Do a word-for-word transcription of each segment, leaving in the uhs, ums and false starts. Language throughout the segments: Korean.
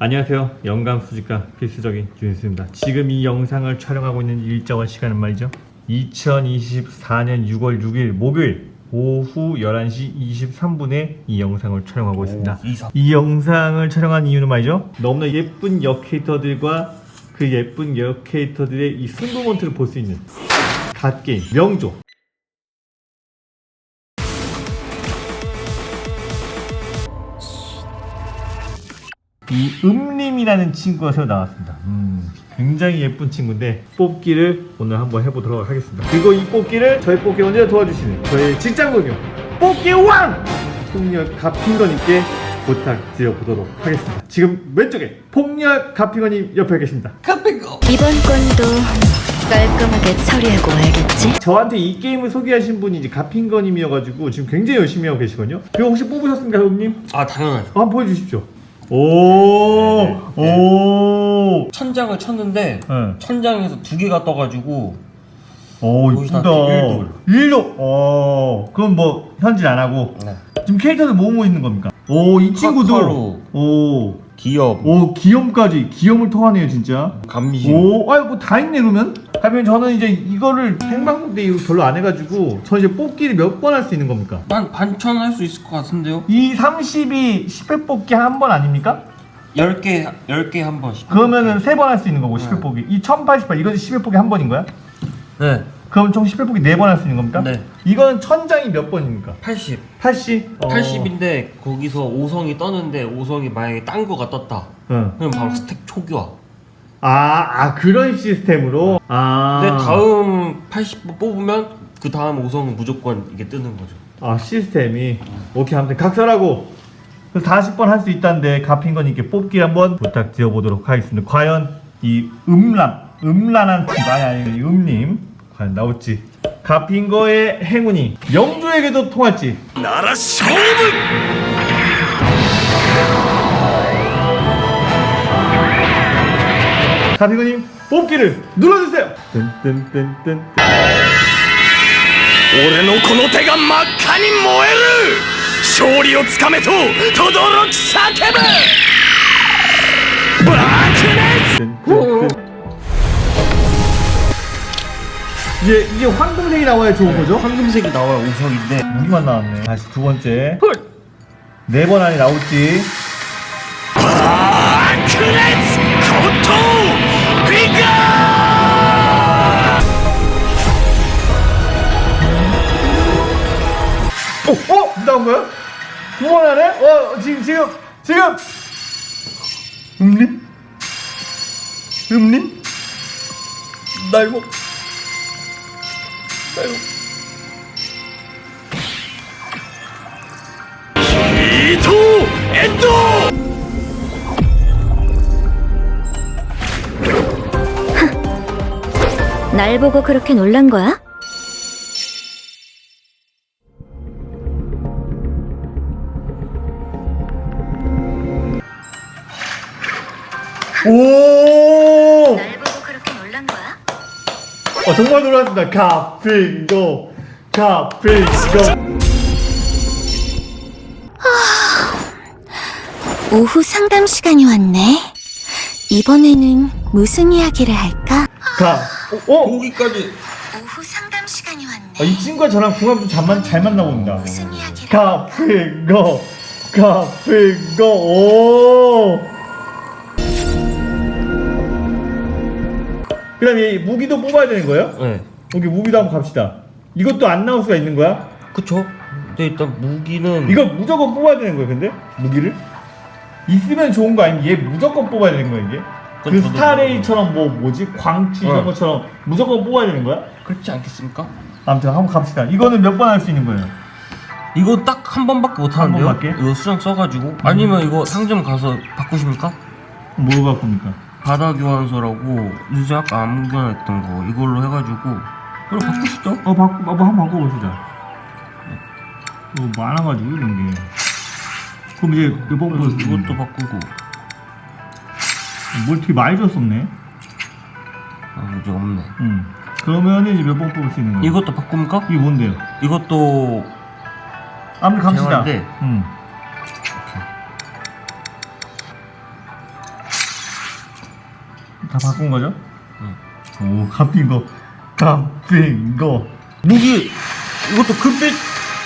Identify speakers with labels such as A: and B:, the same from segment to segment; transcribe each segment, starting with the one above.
A: 안녕하세요. 영감 수집가 필수적인 준수입니다. 지금 이 영상을 촬영하고 있는 일정한 시간은 말이죠, 이천이십사년 유월 육일 목요일 오후 열한 시 이십삼 분에 이 영상을 촬영하고 있습니다.
B: 오, 이상.
A: 이 영상을 촬영한 이유는 말이죠, 너무나 예쁜 역캐릭터들과 그 예쁜 역캐릭터들의 이 승부먼트를 볼 수 있는 갓게임 명조 이 음림이라는 친구가 새로 나왔습니다. 음, 굉장히 예쁜 친구인데 뽑기를 오늘 한번 해보도록 하겠습니다. 그리고 이 뽑기를 저희 뽑기 언제나 도와주시는 저희 직장동료 뽑기 왕! 폭력 가핑거님께 부탁드려보도록 하겠습니다. 지금 왼쪽에 폭력 가핑거님 옆에 계십니다.
B: 가핑거!
C: 이번 건도 깔끔하게 처리하고 와야겠지?
A: 저한테 이 게임을 소개하신 분이 이제 가핑거님이어가지고 지금 굉장히 열심히 하고 계시거든요. 그거 혹시 뽑으셨습니까, 형님?
B: 아, 당연하죠.
A: 한번 보여주십시오. 오,
B: 네, 네.
A: 오,
B: 천장을 쳤는데
A: 네.
B: 천장에서 두 개가 떠가지고
A: 오,
B: 거기서
A: 이쁘다.
B: 나한테
A: 일도. 어, 그럼 뭐 현질 안 하고.
B: 네.
A: 지금 캐릭터들 뭐 뭐 있는 겁니까? 오, 이 친구도.
B: 카카로.
A: 오,
B: 기업,
A: 오, 기염까지. 기염을 통하네요, 진짜.
B: 감미심.
A: 오, 아유, 뭐 다 있네, 그러면? 하면 저는 이제 이거를 생방송 때 이거 별로 안 해가지고, 저 이제 뽑기를 몇 번 할 수 있는 겁니까?
B: 한 반천 할 수 있을 것 같은데요?
A: 이 삼십이 십 회 뽑기 한 번 아닙니까?
B: 열 개, 열 개 한 번씩.
A: 그러면은 세 번 할 수 있는 거고, 십 회
B: 네.
A: 뽑기. 이 천팔십팔, 이것이 십 회 뽑기 한 번인 거야?
B: 네.
A: 그럼 총 십 회 뽑기 네 번 할 수 있는 겁니까?
B: 네.
A: 이거는 천장이 몇 번입니까?
B: 팔십.
A: 팔십? 어.
B: 팔십인데 거기서 오성이 떴는데 오성이 만약에 딴 거가 떴다.
A: 응.
B: 그럼 바로 스택 초기화.
A: 아, 아 그런 시스템으로? 아.
B: 근데 다음 팔십 번 뽑으면 그 다음 오성은 무조건 이게 뜨는 거죠.
A: 아, 시스템이. 오케이, 아무튼 각설하고 사십 번 할 수 있다는데 가핑거님께 뽑기 한번 부탁드려보도록 하겠습니다. 과연 이 음란, 음란한 친구, 아니 아니 이 음님 과연 나올지, 가핑거의 행운이 명조에게도 통할지.
B: 나라勝負!
A: 가핑거님 뽑기를 눌러주세요. 뜬뜬뜬뜬.
D: 俺のこの手が真っ赤に燃える勝利をつかめと轟き叫ぶ爆熱
A: 뜬뜬뜬. 이게 이게 황금색이 나와야 좋은 거죠?
B: 황금색이 나와야 오성인데
A: 무기만 나왔네. 다시 두 번째. 네 번 안에 나올지.
D: 爆熱コトフィガー
A: 어? 어? 이제 나온 거야? 두 번 안에? 어, 지금, 지금, 지금! 음림? 음림? 날고. 날고.
D: 伊藤エンド
C: 날 보고 그렇게 놀란 거야?
A: 오!
C: 날 보고 그렇게 놀란 거야?
A: 어, 정말 놀랐습니다. 가핑고. 가핑고.
C: 오후 상담 시간이 왔네. 이번에는 무슨 이야기를 할까?
A: 가. 어? 어?
B: 거기까지.
C: 오후 상담 시간이 왔네.
A: 아, 이 친구가 저랑 궁합이 좀 잘, 만, 잘 맞나 봅니다.
C: 무슨 이야기를
A: 가핑고. 가핑고. 오! 그 다음에 무기도 뽑아야 되는 거예요?
B: 네.
A: 여기 무기도 한번 갑시다. 이것도 안 나올 수가 있는 거야?
B: 그쵸? 근데 일단 무기는
A: 이거 무조건 뽑아야 되는 거야, 근데? 무기를? 있으면 좋은 거 아니면 얘 무조건 뽑아야 되는 거야, 이게? 그
B: 그건 저도
A: 스타레이처럼 뭐, 뭐지? 광추 이런
B: 어.
A: 것처럼 무조건 뽑아야 되는 거야?
B: 그렇지 않겠습니까?
A: 아무튼 한번 갑시다. 이거는 몇 번 할 수 있는 거예요?
B: 이거 딱 한 번밖에 못 하는데요?
A: 번밖에?
B: 이거 수장 써가지고 아니면 이거 상점 가서 바꾸십니까?
A: 뭐 갖고 옵니까?
B: 바다 교환서라고 유재 아까 안 교환했던 거 이걸로 해가지고 그럼 바꾸시죠?
A: 어, 바꾸, 뭐 한번 바꿔보시자. 뭐 많아가지고, 이런 게. 그럼 이제 몇 번 뽑을 수 있는
B: 이것도
A: 거야?
B: 바꾸고
A: 뭘 되게 많이 줬었네?
B: 아 이제 없네.
A: 응. 그러면 이제 몇 번 뽑을 수 있는 거야?
B: 이것도 바꿉니까?
A: 이게 뭔데요?
B: 이것도
A: 아무튼 갑시다.
B: 대화인데.
A: 응. 다 바꾼 거죠? 오, 갚힌 거. 갚힌 거.
B: 무기 이것도 금빛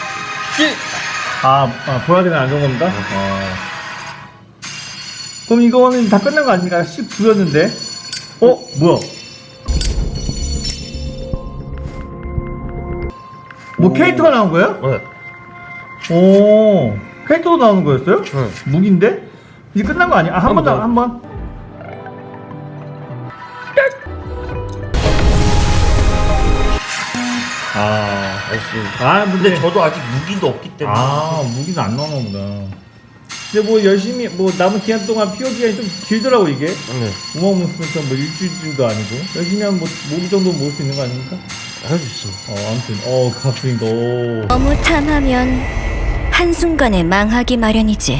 A: 아, 아 보라색은 안 좋은 겁니다? 아. 그럼 이거는 다 끝난 거 아닙니까? 십구였는데? 어? 뭐야? 뭐
B: 오.
A: 캐릭터가 나온 거예요?
B: 네.
A: 오, 캐릭터도 나오는 거였어요?
B: 네.
A: 무기인데? 이제 끝난 거 아니야? 아, 한 번
B: 한 번
A: 더,
B: 더.
A: 한 번. 아,
B: 나이스.
A: 아, 근데,
B: 근데 저도 아직 무기도 없기 때문에.
A: 아, 무기는 안 나오나 보다. 근데 뭐 열심히, 뭐 남은 기간 동안 피오 기간이 좀 길더라고, 이게.
B: 네.
A: 우마무스처럼 뭐 일주일도 아니고. 열심히 하면 뭐, 모기 정도 모을 수 있는 거 아닙니까?
B: 할 수 있어.
A: 어, 아무튼, 어, 갚힌 거. 오.
C: 너무 탐하면 한순간에 망하기 마련이지.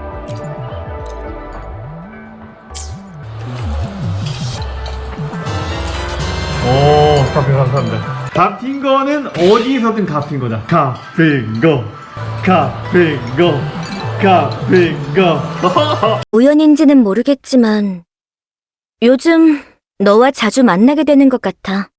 A: 오, 갚힌 거 감사합니다. 갚힌 거는 어디서든 갚힌 거다. 갚힌 거, 갚힌 거, 갚힌 거.
C: 우연인지는 모르겠지만 요즘 너와 자주 만나게 되는 것 같아.